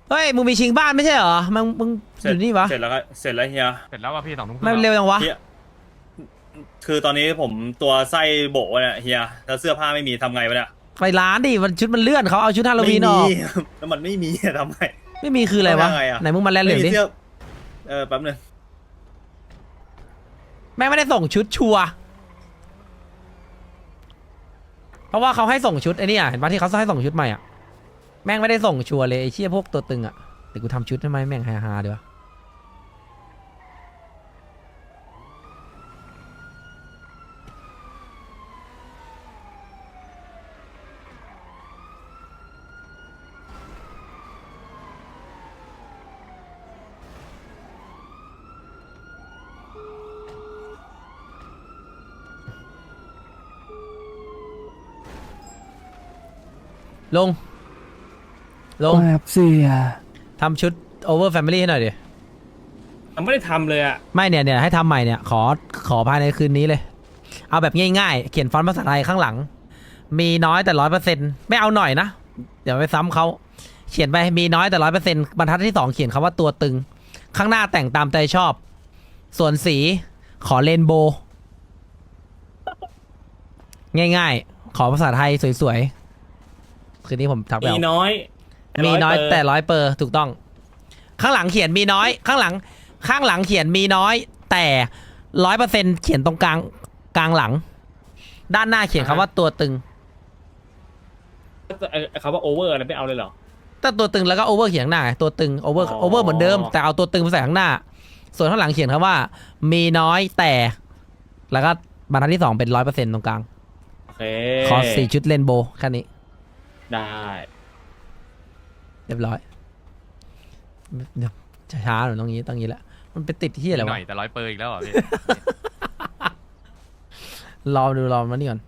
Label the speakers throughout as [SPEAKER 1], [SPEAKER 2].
[SPEAKER 1] เฮ้ยมึงมีชิงบ้านไม่ใช่เหรอมึงอยู่นี่วะ
[SPEAKER 2] เสร็จแล้วก็เสร็จแล้วเฮีย
[SPEAKER 3] เสร็จแล้วว่าพี่2 ทุ่มครึ่ง
[SPEAKER 1] ไม่เร็วจังวะ
[SPEAKER 2] เฮียคือตอนนี้ผมตัวไส้โบะเนี่ยเฮียแล้วเสื้อผ้าไม่มีทำไงวะเนี่ย
[SPEAKER 1] ไปร้านดิมันชุดมันเลื่อนเขาเอาชุดฮาโลวีนออก
[SPEAKER 2] ไม่มีแล้วมันไม่มีทำไง
[SPEAKER 1] ไม่มีคืออะไรวะ
[SPEAKER 2] ทำยังไงอะ
[SPEAKER 1] ไหนมึงมาแลนเหลืองดิ
[SPEAKER 2] ไม่มีสื้แป๊บนึง
[SPEAKER 1] แม่งไม่ได้ส่งชุดชัวร์เพราะว่าเขาให้ส่งชุดไอ้นี่อ่ะเห็นปะที่เขาให้ส่งชุดใหม่อ่ะแม่งไม่ได้ส่งชัวร์เลยไอ้เชี่ยพวกตัวตึงอ่ะเดี๋ยวกูทำชุดทำไมแม่งฮาๆดีวะลง
[SPEAKER 4] ครับเสีย
[SPEAKER 1] ทำชุด over family ให้หน่อยดิ
[SPEAKER 5] ยังไม่ได้ทำเลยอ่ะ
[SPEAKER 1] ไม่เนี่ยให้ทำใหม่เนี่ยขอภายในคืนนี้เลย เอาแบบง่ายๆเขียนฟอนต์ภาษาไทยข้างหลัง มีน้อยแต่100%ไม่เอาหน่อยนะเดี๋ยวไปซ้ำเขาเขียนไปมีน้อยแต่100%บรรทัดที่2เขียนคำว่าตัวตึงข้างหน้าแต่งตามใจชอบ ส่วนสีขอเรนโบว์ง่ายๆขอภาษาไทยสวยๆคืนนี้ผมทักไป
[SPEAKER 5] มี
[SPEAKER 1] เอา
[SPEAKER 5] น้อย
[SPEAKER 1] มีน้อยแต่100%ถูกต้อง ข้างหลังเขียนมีน้อยข้างหลังเขียนมีน้อยแต่100%เขียนตรงกลางหลัง ด้านหน้าเขียนคำว่าตัวตึง
[SPEAKER 5] เขาว่าโอเวอร์อะไรไม่เอาเลยเหรอ
[SPEAKER 1] แต่ตัวตึงแล้วก็โอเวอร์เขียนข้างหน้าไงตัวตึงโอเวอร์เหมือนเดิมแต่เอาตัวตึงไปใส่ข้างหน้า ส่วนข้างหลังเขียนคำว่ามีน้อยแต่แล้วก็บรรทัดที่2เป็น100%ตรงกลาง
[SPEAKER 5] โอเค
[SPEAKER 1] ขอ4ชุดเรนโบว์แค่นี้
[SPEAKER 5] ได้
[SPEAKER 1] เรียบร้อยเดี๋ยวช้าๆหน่อยตรงนี้แหละมันไปติดที่อะไร
[SPEAKER 3] หน่
[SPEAKER 1] วะ
[SPEAKER 3] อยแต่100%อีกแล้วเหรอพี่
[SPEAKER 1] รอมานี่ก่อน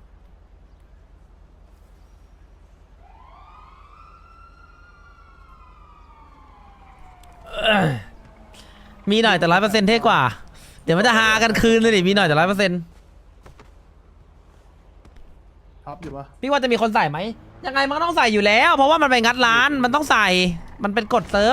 [SPEAKER 1] มีหน่อยแต่100%เท่กว่า เดี๋ยวมันจะหากันคืนเลยดิมีหน่อยแต่100%
[SPEAKER 4] ท็อปอยู่ปะ
[SPEAKER 1] พี่ว่าจะมีคนใส่ไหมยังไงมันก็ต้องใส่อยู่แล้ว เพราะว่ามันไปงัดร้านมันต้องใส่มันเป็นกฎเซิร์ฟ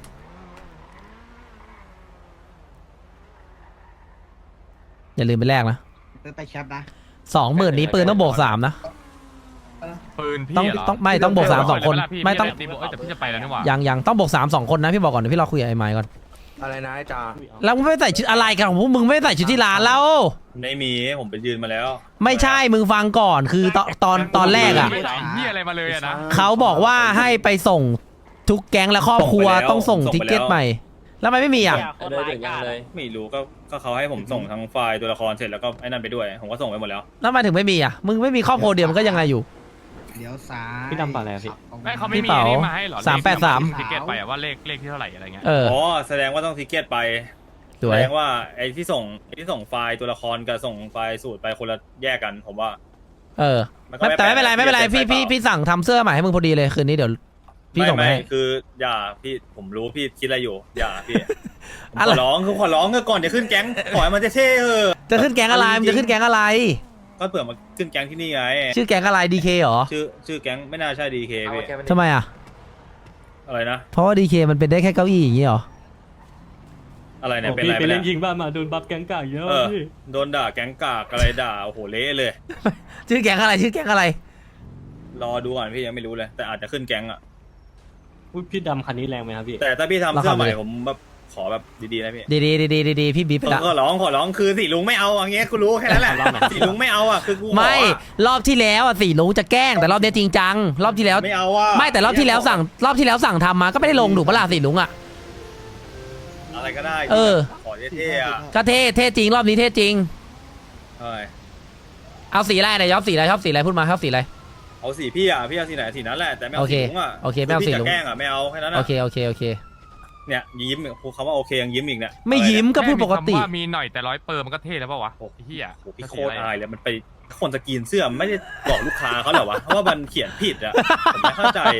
[SPEAKER 1] อย่าลืมไปแลกนะ
[SPEAKER 4] ไปแคปนะ
[SPEAKER 1] 20,000นี้ปืนต้องบวก3นะ
[SPEAKER 3] ปืนพี่
[SPEAKER 1] ต้อง
[SPEAKER 3] เหรอ
[SPEAKER 1] ต้องบวก3 2 คนไม่ต้อง
[SPEAKER 3] แต่พี่จะไปแล้วนี่หว่า
[SPEAKER 1] ยังต้องบวก3 2 คนนะพี่บอกก่อนเดี๋ยวพี่รอคุยกับไอ้ไมค์ก่อน
[SPEAKER 4] อะไรนะไอ้จ่า
[SPEAKER 1] แล้วมึงไม่ใส่ชุดอะไรกันของพวกมึงไม่ใส่ชุดที่ร้านแล้ว
[SPEAKER 2] ไม่มีผมไปยืนมาแล้ว
[SPEAKER 1] ไม่ใช่มึงฟังก่อนคือตอนแรกอ่ะ
[SPEAKER 3] ไม่ใส่พี่อะไรมาเลยอะนะ
[SPEAKER 1] เขาบอกว่าให้ไปส่งทุกแก๊งและครอบครัว
[SPEAKER 2] ส่งไปแล้ว
[SPEAKER 1] ต้องส่ง
[SPEAKER 2] ส่งไป
[SPEAKER 1] ทิกเก็ต
[SPEAKER 2] แล้ว
[SPEAKER 1] ใหม่แล้วทำไมไม่มีอ่ะ
[SPEAKER 5] เลยถึงยังเลย
[SPEAKER 2] ไม่รู้ก็เขาให้ผมส่งทั้งไฟล์ตัวละครเสร็จแล้วก็ไอ้นั่นไปด้วยผมก็ส่งไปหมดแล้ว
[SPEAKER 1] แล้วทำไมถึงไม่มีอ่ะมึงไม่มีครอบครัวเดียวมันก็ยังไงอยู่
[SPEAKER 4] เดี๋ยวซ้าย
[SPEAKER 5] พี่ดำป่ะอะไรอะพี่
[SPEAKER 3] ไม่เขาไม่
[SPEAKER 1] พี่
[SPEAKER 3] มี
[SPEAKER 1] เป๋า
[SPEAKER 3] อันนี้มาให้เหรอ
[SPEAKER 1] 383
[SPEAKER 3] ทิเก็ตไปอะว่าเลขที่เท่าไหร่อะไรเงี้ย
[SPEAKER 1] เออ
[SPEAKER 2] อ๋อแสดงว่าต้องทิเก็ตไป
[SPEAKER 1] ส
[SPEAKER 2] แส
[SPEAKER 1] วย
[SPEAKER 2] ดงว่าไอ้ที่ส่งไฟล์ตัวละครกับส่งไฟล์สูตรไปคนละแยกกันผมว่า
[SPEAKER 1] เออ
[SPEAKER 2] มันก็
[SPEAKER 1] แต่ไม่เป็นไรไม่เป็นไร
[SPEAKER 2] แปลก
[SPEAKER 1] พี่สั่งทำเสื้อใหม่ให้มึงพอดีเลยคืนนี้เดี๋ยวพี่ส่งไป
[SPEAKER 2] ไม่
[SPEAKER 1] ให้
[SPEAKER 2] คืออย่าพี่ผมรู้พี่คิดอะไรอยู่อย่าพี่ผม
[SPEAKER 1] อะไร
[SPEAKER 2] ขอร้องก่อนจะขึ้นแก๊งขอให้มันเท่ๆเออ
[SPEAKER 1] จะขึ้นแก๊งอะไรมันจะขึ้นแก๊งอะไร
[SPEAKER 2] ก็เผื่อมาขึ้นแก๊งที่นี่ไง
[SPEAKER 1] ชื่อแก๊งอะไรดีเคเหรอ
[SPEAKER 2] ชื่อแก๊งไม่น่าใช่ดีเคพี่
[SPEAKER 1] ทำไมอ่ะ
[SPEAKER 2] อะไรนะ
[SPEAKER 1] เพราะว่าดีเคมันเป็นได้แค่เก้าอี้อย่างนี้เหรอ
[SPEAKER 2] อะไรเนี่ยเป็น
[SPEAKER 5] พี่
[SPEAKER 2] อะไร
[SPEAKER 5] ไป
[SPEAKER 2] ไป
[SPEAKER 5] เล่
[SPEAKER 2] เนี่ย
[SPEAKER 5] นยิงบ้านมาโดนบัฟแกงกากเยอะ
[SPEAKER 2] เออ
[SPEAKER 5] พี่
[SPEAKER 2] โดนด่าแก๊งกากอะไรด่าโอ้โหเละเลย
[SPEAKER 1] ชื่อแก๊งอะไรชื่อแก๊งอะไร
[SPEAKER 2] รอดูก่อนพี่ยังไม่รู้เลย แต่อาจจะขึ้นแก๊งอ่ะ
[SPEAKER 5] อุ๊ยพี่ดำคันนี้แรงไหมครับพี่
[SPEAKER 2] แต่ถ้าพี่ทำ
[SPEAKER 1] รา
[SPEAKER 2] เสื้
[SPEAKER 1] คา
[SPEAKER 2] อใหม่
[SPEAKER 1] เลย
[SPEAKER 2] ผมแบบขอแบบดีๆนะพี่
[SPEAKER 1] ดีพี่บีบไปละ
[SPEAKER 2] ขอร้องคือสีลุงไม่เอาอย่างเงี้ยกูรู้แค่นั้นแหละสีลุงไม่เอาอ่ะคือกูขอ
[SPEAKER 1] ไม่รอบที่แล้วอ่ะสี่ลุงจะแกล้งแต่รอบนี้จริงจังรอบที่แล้ว
[SPEAKER 2] ไม่เอาอ่ะ
[SPEAKER 1] ไม่แต่รอบที่แล้วสั่งทำมาก็ไม่ได้ลงถูกปะล่ะสี่ลุงอ่ะ
[SPEAKER 2] อะไรก็ได้
[SPEAKER 1] เออ
[SPEAKER 2] ขอเท่ๆอ่ะ
[SPEAKER 1] ก็เท่จริงรอบนี้เท่จริง
[SPEAKER 2] เอ้ย
[SPEAKER 1] เอาสีอะไรเนี่ยชอบสีอะไรพูดมาชอบสีอะไร
[SPEAKER 2] เอาสีพี่อ่ะพี่เอาสีไหนสีนั้นแหละแต่ไม่เอา
[SPEAKER 1] โอเค
[SPEAKER 2] สีลุงอ่ะ
[SPEAKER 1] โอเคไม่เอาสีลุง
[SPEAKER 2] พี่จะแกล้งอ่ะไม่เอาแค่นั้น
[SPEAKER 1] โอ
[SPEAKER 2] อ่ะ
[SPEAKER 1] เค
[SPEAKER 2] เนี่ยยิ้มพูดคำว่าโอเคยังยิ้มอีกเนี่ย
[SPEAKER 1] ไม่ยิ้มก็พูดปกติ
[SPEAKER 3] แค่มีคำว่ามีหน่อยแต่100%มันก็เท่แล้วเปล่าวะไอ้เหี้ย
[SPEAKER 2] โอ้โหพี่โคตรอายเลยมันไปคนสกรีนเสื้อไม่ได้บอกลูกค้าเขาเหรอวะเพราะว่ามันเขียนผิดอ่ะผมไม่เข้าใจอะ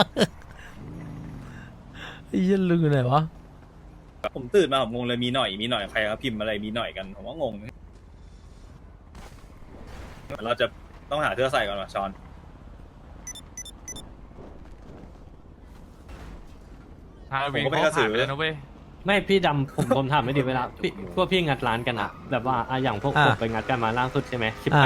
[SPEAKER 1] ไอ้เหี้ยลืมไหนวะ
[SPEAKER 2] ผมตื่นมาผมงงเลยมีหน่อยใครเขาพิมพ์อะไรมีหน่อยกันผมว่างงเราจะต้องหาเสื้อใส่ก่อนว่ะชอน
[SPEAKER 3] ฮาโลวีน
[SPEAKER 2] ผมก็เป็นกระสือ
[SPEAKER 3] ผ่านไปแล้วนะเว้ย
[SPEAKER 5] ไม่พี่ดำผมถามไม่ดีเวลาพี่พวกพี่งัดร้านกันอะแบบว่าอย่างพวกผมไปงัดกันมาล่าสุดใช่ไหม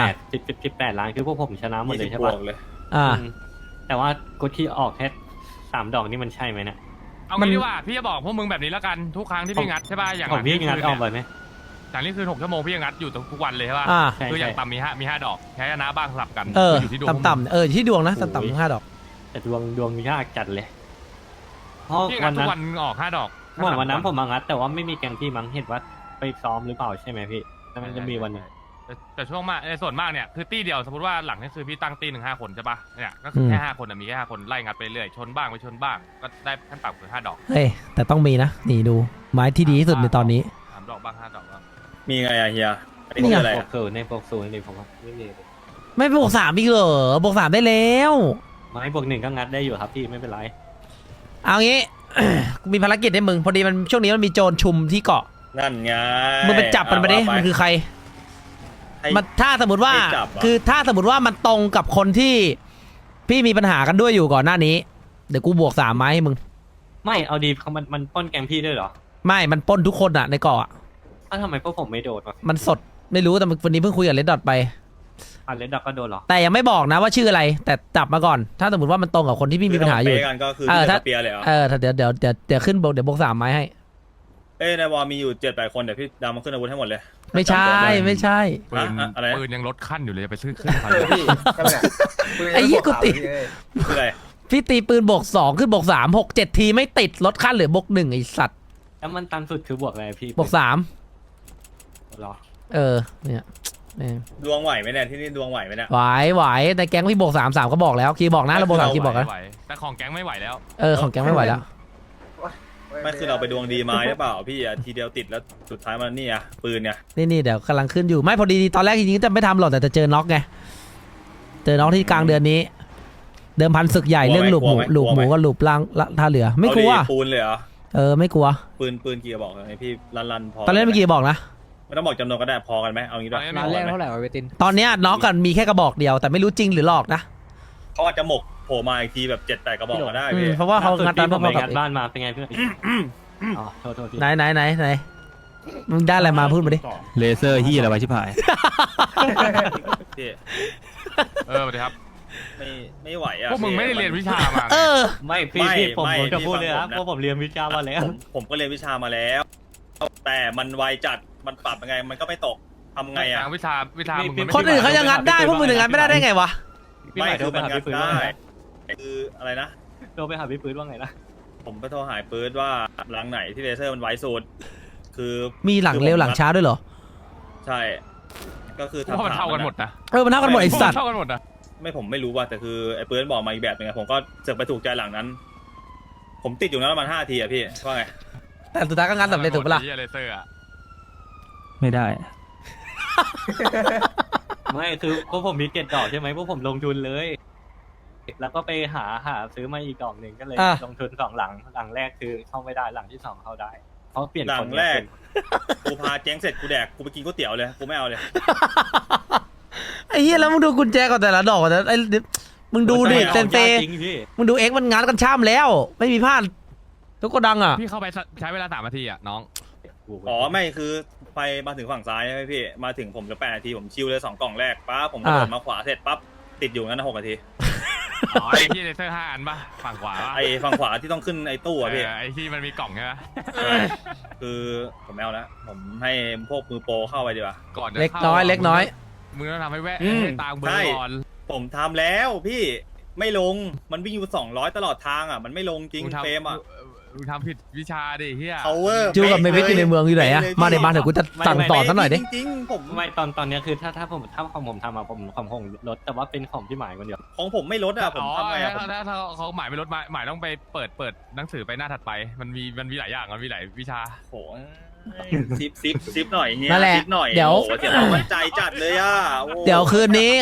[SPEAKER 5] 18ล้านคือพวกผมชนะหมดเลยใช่
[SPEAKER 2] 20
[SPEAKER 5] ปะ
[SPEAKER 2] บวกเลย
[SPEAKER 1] อ่า
[SPEAKER 5] แต่ว่ากดที่ออกแค่3 ดอกนี่มันใช่ไหมเนี่ย
[SPEAKER 3] เอา
[SPEAKER 1] มัน
[SPEAKER 3] งี้ดีกว่าพี่จะบอกพวกมึงแบบนี้แล้วกันทุกครั้งที่พี่งัดใช่ป่ะอย่าง
[SPEAKER 5] ของพี่งัดออกไปไหม
[SPEAKER 3] อย่างนี้คือ6 ชั่วโมงพี่ยังงัดอยู่ทุกวันเลยใช่ป่ะ
[SPEAKER 1] อ่า
[SPEAKER 5] ใช่
[SPEAKER 3] คืออย่างต่ำมีห้าดอกแพ้ชนะบ้างสลับกัน อยู่ที่ดวง
[SPEAKER 1] ต่ำๆอยู่ที่ดวงนะต่ำๆ5 ดอก
[SPEAKER 5] แต่ดวงยากจัดเลยเพราะ
[SPEAKER 3] พี่งั
[SPEAKER 5] วั
[SPEAKER 3] ด
[SPEAKER 5] น
[SPEAKER 3] ทุ
[SPEAKER 5] นั้น
[SPEAKER 3] กวันออก5 ดอก
[SPEAKER 5] เมื่อวันนั้นผมมางัดแต่ว่าไม่มีแกงพี่มั้งเห็นว่าไปซ้อมหรือเปล่าใช่ไหมพี่แล้วมันจะมีวันหนึง
[SPEAKER 3] แต่ช่วงมากส่วนมากเนี่ยคือตีเดียวสมมติว่าหลังนี่คือพี่ตั้งตีหนึ่ง5 คนใช่ป่ะเนี่ยก็คือแค่5 คนมีแค่5 คนไล่งัดไปเรื่อยชนบ้างไม่ชนบ้างก็ได้ขั้นต่ำคือ5 ดอก
[SPEAKER 1] เฮ้ยแต่ต้องมีนะนี่ดูไม้ที่ดีที่สุดในตอนนี้
[SPEAKER 3] 3 ดอกบ้าง5 ดอกบ้าง
[SPEAKER 2] มีไงอะเฮียอัน
[SPEAKER 1] นี่
[SPEAKER 2] นี้
[SPEAKER 1] ไง
[SPEAKER 2] คืออะไร
[SPEAKER 5] บว
[SPEAKER 2] อะ
[SPEAKER 5] กศูนย์ในบวกศูนย์นี่ผมว่าไม่มีเลย
[SPEAKER 1] ไม่บวก3อีกเหรอบวก3ได้แล้ว
[SPEAKER 5] ไม่บวก1ก็งัดได้อยู่ครับพี่ไม่เป็นไร
[SPEAKER 1] เอางี้ กูมีภารกิจให้มึงพอดีมันช่วงนี้มันมีโจรชุมที่เกาะ
[SPEAKER 2] นั่นไง
[SPEAKER 1] มึงไปจับมันไปดิ
[SPEAKER 2] ว่า
[SPEAKER 1] มันคือใคร
[SPEAKER 2] ให้
[SPEAKER 1] มันถ้าสมมติว่า
[SPEAKER 2] ให้จับเหรอ
[SPEAKER 1] คือถ้าสมมติว่ามันตรงกับคนที่พี่มีปัญหากันด้วยอยู่ก่อนหน้านี้เดี๋ยวกูบวก3 ไม้ให้มึง
[SPEAKER 5] ไม่เอาดีมันปล้นแกงพี่ด้วยเหรอ
[SPEAKER 1] ไม่มันปล้นทุกคนอะในเกาะอะ
[SPEAKER 5] อ้าวทำไมพวกผมไม่โดนวะ
[SPEAKER 1] มันสดไม่รู้แต่วันนี้เพิ่งคุยกับเลดดอทไป
[SPEAKER 5] อันเลนดักก็โดนเหรอ
[SPEAKER 1] แต่ยังไม่บอกนะว่าชื่ออะไร แต่จับมาก่อน ถ้าสมมติว่ามันตรงกับคนที่พี่มีปัญหาอยู่
[SPEAKER 2] คืถ้มันเป๊ะกันก็คือ
[SPEAKER 1] เออ
[SPEAKER 2] พี่
[SPEAKER 1] ถ้า
[SPEAKER 2] จะเปียเลยเหรอ
[SPEAKER 1] ถ้าเดี๋ยวขึ้นบวกเดี๋ยวบวก3 ไม้ให้
[SPEAKER 2] เอ้ยในวอลมีอยู่7-8 คนเดี๋ยวพี่ดำมาขึ้นอาวุธให้หมดเลย
[SPEAKER 1] ไม่ใช่ไม่ใช่
[SPEAKER 3] ปืน
[SPEAKER 2] อะไรนะ
[SPEAKER 3] ปืนยังลดขั้นอยู่เลยจะไปซื้อขึ้นพัน
[SPEAKER 4] พี่ก็เนี่ย
[SPEAKER 1] ไอ้เหี้ยกูติ
[SPEAKER 2] คืออะไร
[SPEAKER 1] พี่ตีปืนบวก2ขึ้นบวก3 6 7 ทีไม่ติดลดขั้นเหลือบวก1ไอสัตว์
[SPEAKER 5] แล้วมันตันสุดคือบวกอะไรพี่
[SPEAKER 1] บวก3
[SPEAKER 5] เหรอ
[SPEAKER 1] เนี่ยแม่ง
[SPEAKER 2] ดวงไหวไหมเนี่ยที่นี่ดวงไหวไหมเนี่ย
[SPEAKER 1] ไหวในแก๊งพี่บวก3 3ก็บอกแล้วคีย์บอกนะเราบวก3คีย์บอกนะ
[SPEAKER 3] ไหวแต่ของแก๊งไม่ไหวแล้ว
[SPEAKER 1] ของแก๊งไม่ไหวแล้ว
[SPEAKER 2] ไม่คือเราไปดวงดีมาหรือเปล่าพี่อะทีเดียวติดแล้วสุดท้ายมันนี่อะปืนเนี่ย
[SPEAKER 1] นี่เดี๋ยวกำลังขึ้นอยู่ไม่พอดีตอนแรกจริงๆจะไม่ทำหรอกแต่จะเจอน็อกไงเจอน็อกที่กลางเดือนนี้ เดิมพันศึกใหญ่เรื่องหลุมหมูกับหลุมล่างท่าเรือไม่กลัว
[SPEAKER 2] เอาดิปูนเลยเหรอ
[SPEAKER 1] ไม่กลัว
[SPEAKER 2] ปืนกี่กระบอกไงพี่รันพอ
[SPEAKER 1] ตอนเล่นเมื่อกี้บอกนะ
[SPEAKER 2] ไม่ต้องบอกจำนวนก็ได้พอกันไหมเอางี้ด้วย
[SPEAKER 3] ร้านแรกเท่าไหร่
[SPEAKER 1] ตอนเนี้ยน็อกกันมีแค่กระบอกเดียวแต่ไม่รู้จริงหรือหลอกนะ
[SPEAKER 2] เขาอาจจะหมกโผล่มาอีกทีแบบ7-8 กระบอกก็ได้พี่
[SPEAKER 1] เพราะว่าเขางัดตาม
[SPEAKER 5] ผ
[SPEAKER 1] พว
[SPEAKER 5] ม
[SPEAKER 1] ก
[SPEAKER 5] ไป
[SPEAKER 1] เขา
[SPEAKER 5] งัดบ้านมาเป็นไงเพื่อนอ๋อโทษพี่
[SPEAKER 1] ไหนมึงได้อะไรมาพูดมาดิ
[SPEAKER 6] เลเซอร์ที่อะไรไว้ชิบหาย
[SPEAKER 2] พี่
[SPEAKER 3] สวัสดีครับ
[SPEAKER 2] ไม่ไหวอะ
[SPEAKER 3] พวกมึงไม่ได้เรียนวิชามา
[SPEAKER 5] ไม่พี่ผมจะพูดเลยครับเพราะผมเรียนวิชามาแล้ว
[SPEAKER 2] ผมก็เรียนวิชามาแล้ว แต่มันไวจัดมันปรับยังไงมันก็ไม่ตกทำไงอะ
[SPEAKER 3] วิชามึง
[SPEAKER 1] คนอื่นเขายังงัดได้พวกมึงถึงงัดไม่ได้ได้ไงวะ
[SPEAKER 5] พี่หมายโทรไปหาพี่ปืนว่าไง
[SPEAKER 2] คืออะไรนะ
[SPEAKER 5] โทรไปหาพี่ปืนว่าไงนะ
[SPEAKER 2] ผมไปโทรหายปืนว่าหลังไหนที่เลเซอร์มันไวสุดคือ
[SPEAKER 1] มีหลังเร็วหลังช้าด้วยเหรอ
[SPEAKER 2] ใช่ ก็คือ
[SPEAKER 3] เพราะมันเท่ากันหมดนะ
[SPEAKER 1] มันเท่ากันหมดไอสัตว์
[SPEAKER 3] เท่ากันหมดนะ
[SPEAKER 2] ผมไม่รู้ว่าแต่คือไอ้ปืนบอกมาอีกแบบนึงไงผมก็เสือกไปถูกใจหลังนั้น ผมติดอยู่นั้นประมาณ5 ทีอะพี่ว่าไง
[SPEAKER 1] แต่สุดท้ายก็งัดสำเร็จถูกปะล่ะ
[SPEAKER 3] เลเซอร์อะ
[SPEAKER 6] ไม่ได้
[SPEAKER 5] ไม่คือพวกผมมีเก็ตดอกใช่ไหมพวกผมลงทุนเลย แล้วก็ไปหาซื้อมาอีกดอกหนึ่งก็เลยลงทุน2 หลังหลังแรกคือเข้าไม่ได้หลังที่2เข้าได้เพราะเปลี่ยน
[SPEAKER 2] หลั
[SPEAKER 5] ค
[SPEAKER 2] ง
[SPEAKER 5] น
[SPEAKER 2] แรกกูพาแจ้งเสร็จกูแดกกูไปกินก๋วยเตี๋ยวเลยกูไม่เอาเลย
[SPEAKER 1] ไอ้เหี้ยแล้วมึงดูกุญแจก่อนแต่ละดอกก่อนนะมึงดูดิเซนเซ
[SPEAKER 5] จริงพี่
[SPEAKER 1] มึงดูเอ็กมันงัดกันช่ำแล้ว ไม่มีพลาดทุกกระดังอ่ะ
[SPEAKER 3] พี่เข้าไปใช้เวลา3 นาทีอะน้อง
[SPEAKER 2] อ๋อไม่คือไปมาถึงฝั่งซ้ายใช่ไหมพี่มาถึงผมจะ8 นาทีผมชิวเลย2 กล่องแรกปั๊บผมกระโดดมาขวาเสร็จปั๊บติดอยู่งั้น6 นาที
[SPEAKER 3] อ๋อไอ้ที่เลเซอร์5 อันป่ะฝั่งขวาป่ะ
[SPEAKER 2] ไอ้ฝั่งขวาที่ต้องขึ้นไอ้ตู้อะพี่
[SPEAKER 3] ไอ้ที่มันมีกล่องใช่ไหม
[SPEAKER 2] คือผมไม่เอาแล้วผมให้พวกมือโปรเข้าไปดีกว่า
[SPEAKER 3] ก่อนจะ
[SPEAKER 1] เล็กน้อยเล็กน้อย
[SPEAKER 3] มึงต้องทำให้แวะ
[SPEAKER 2] อืม
[SPEAKER 3] ให้ตามเบอ
[SPEAKER 2] ใช่
[SPEAKER 3] ร์ก่อน
[SPEAKER 2] ผมทำแล้วพี่ไม่ลงมันวิ่งอยู่200ตลอดทางอ่ะมันไม่ลงจริงเฟรมอ่ะ
[SPEAKER 3] มึงทำผิดวิชาดิเฮีย
[SPEAKER 2] power
[SPEAKER 1] จูกับเมวิทอยู่ในเมืองอยู่ไหนอะมาเดี๋ยวมาเดี๋ยวกูจะสั่งสอนซะหน่อยดิ
[SPEAKER 2] จริงๆผม
[SPEAKER 5] ไม่ตอนเนี้ยคือถ้าของผมทำมาผมของผมลดแต่ว่าเป็นของพี่หมายคนเดียว
[SPEAKER 2] ของผมไม่ลดอ่ะผมทำไงอ่ะผม
[SPEAKER 3] ถ้าเขาหมายไม่ลดหมายต้องไปเปิดหนังสือไปหน้าถัดไปมันมีหลายอย่างมันมีหลายวิชา
[SPEAKER 2] โหซิปหน่อยเงี้ย
[SPEAKER 1] นั่นแหละ
[SPEAKER 2] ซิปหน่อย
[SPEAKER 1] เดี๋ยว
[SPEAKER 2] โอ้โหเสียความมั่นใจจัดเลยอ่ะโอ้
[SPEAKER 1] เดี๋ยวคืนนี้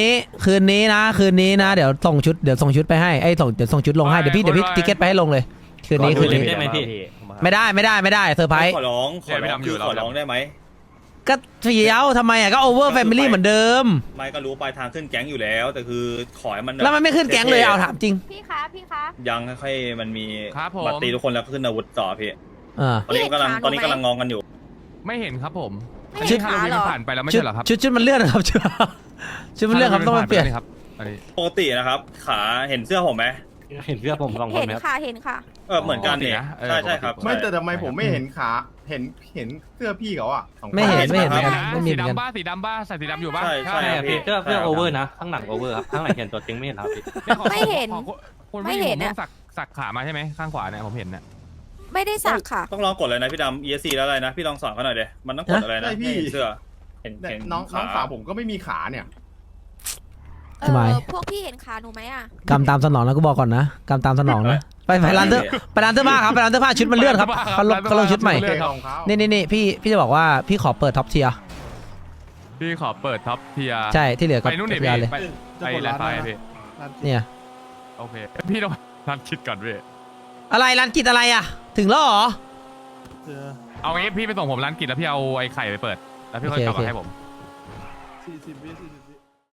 [SPEAKER 1] นะเดี๋ยวส่งชุดไปให้เดี๋ยวส่งชุดลงให้เดี๋ยวพี่ทิเก็ตไปให้ลงเลยคืนนี้
[SPEAKER 5] ได้ไหมพี่
[SPEAKER 1] ไม่ได้เซอร์ไพรส์
[SPEAKER 2] ขอร้องได้ไหม
[SPEAKER 1] ก็เฟี้ยวทำไมอ่ะก็โอเวอร์แฟมิลี่เหมือนเดิม
[SPEAKER 2] ไม่ก็รู้ปลายทางขึ้นแก๊งอยู่แล้ว แต่คือขอให้มัน
[SPEAKER 1] แล้วมันไม่ขึ้นแก๊งเลยเอาถามจริง
[SPEAKER 7] พี่คะพี่คะ
[SPEAKER 2] ยังค่อยๆมันมี
[SPEAKER 3] ครับผม
[SPEAKER 2] บัตรตีทุกคนแล้วก็ขึ้นอาวุธต่อพี่
[SPEAKER 1] อ่า
[SPEAKER 2] ตอนนี้กำลัง
[SPEAKER 7] พี่เห็นขาหนูไหม
[SPEAKER 2] ตอนนี้กำลังงองกันอยู่
[SPEAKER 3] ไม่เห็นครับผม
[SPEAKER 7] ไม่
[SPEAKER 3] อัน
[SPEAKER 7] เห็
[SPEAKER 3] นี้
[SPEAKER 7] น
[SPEAKER 3] ฮาโล
[SPEAKER 7] ขา
[SPEAKER 3] วีน
[SPEAKER 7] เหร
[SPEAKER 3] มัน
[SPEAKER 7] อ
[SPEAKER 3] ผ่านไปแล้วไม่
[SPEAKER 1] ชุด
[SPEAKER 3] ใช่เหรอครับ
[SPEAKER 1] ชุดมันเลื่อนครับชุดมันเลื่อนครับต้องมาเปลี่ยน
[SPEAKER 3] ฮโลวีผ่ไปแวครับอันนี้
[SPEAKER 2] ปกตินะครับ ขาเห็นเสื้อผมไหม
[SPEAKER 5] เห็นเสื้อผมสองคน
[SPEAKER 7] เห็น
[SPEAKER 5] ไหมครับ
[SPEAKER 7] ค่ะเห็นค่ะ
[SPEAKER 2] เหมือนกันเนี่ย
[SPEAKER 3] ปกตินะ
[SPEAKER 2] ใช่ใช่ครับ
[SPEAKER 8] ไม่แต่
[SPEAKER 2] ใช่
[SPEAKER 8] ทำไมผมไม่เห็นขาเห็นเสื้อพี่เขาอ่ะสองคน
[SPEAKER 1] ไม่เห็น
[SPEAKER 2] ไม่เห็น
[SPEAKER 1] เหมือนกัน
[SPEAKER 3] นะ
[SPEAKER 1] ไม่มี
[SPEAKER 3] สี
[SPEAKER 1] เหมือนกัน
[SPEAKER 3] ดำบ้าสีดำบ้าใส่สีดำอยู่บ้า
[SPEAKER 2] ใช่ใช่
[SPEAKER 5] ใช่ครับพี่เสื้อ
[SPEAKER 2] ใช่ครับ
[SPEAKER 5] โอเวอร์นะข้างหลังโอเวอร์ครับข้างหลังเห็นตัวจริงไม่เห็นครับพี่
[SPEAKER 7] ไม่เห็น
[SPEAKER 3] คน
[SPEAKER 7] ไม่
[SPEAKER 3] ไม่
[SPEAKER 7] เห็
[SPEAKER 3] เห็
[SPEAKER 7] น
[SPEAKER 3] น
[SPEAKER 7] อะ
[SPEAKER 3] ต้องสักขามาใช่ไหมข้างขวาเนี่ยผมเห็นเนี่ย
[SPEAKER 7] ไม่ได้สักค่ะ
[SPEAKER 2] ต้องลองกดเลยนะพี่ดำ ESC แล้วอะไรนะ พี่ลองสอนเขาหน่อยเดี๋ยมันต้องกดอะไรนะ
[SPEAKER 8] ใช่พี่
[SPEAKER 2] ให้เห็นเสื้อเห็น
[SPEAKER 8] เนี่ย
[SPEAKER 2] เห็น
[SPEAKER 8] น้อง
[SPEAKER 2] ขา
[SPEAKER 8] สาวผมก็ไม่มีขาเนี่ย
[SPEAKER 1] ทำไม
[SPEAKER 7] พวกพี่เห็นขาหนูไหมอ่ะ
[SPEAKER 1] กำตามสนองนะกูบอกก่อนนะกำตามสนองนะไปร้านเสื้อไปร้านเสื้อผ้าครับไปร้านเสื้อผ้าชุดมันเลื่อนครับเขาลงชุดใหม่
[SPEAKER 3] เลื่อนครับ
[SPEAKER 8] ของเขา
[SPEAKER 1] นี่พี่จะบอกว่าพี่ขอเปิดท็อปเทียร์
[SPEAKER 3] พี่ขอเปิดท็อปเทีย
[SPEAKER 1] ใช่ที่เหลือก็
[SPEAKER 3] ไปนู่นดิ
[SPEAKER 1] เทีย
[SPEAKER 3] พี่
[SPEAKER 1] ร์เลย
[SPEAKER 3] ไปแลนด์ไฟล์พี่
[SPEAKER 1] เนี่ย
[SPEAKER 3] โอเคพี่ต้องรันคิดก่อนพี่
[SPEAKER 1] อะไรร้านกิจอะไรอ่ะ ถึงแล้วเหรอ
[SPEAKER 3] เอางี้พี่ไปส่งผมร้านกิจแล้วพี่เอาไอ้ไข่ไปเปิดแล้วพี่ค่อยกลับ
[SPEAKER 1] โอเค
[SPEAKER 3] มาให้ผม
[SPEAKER 4] 40 วิ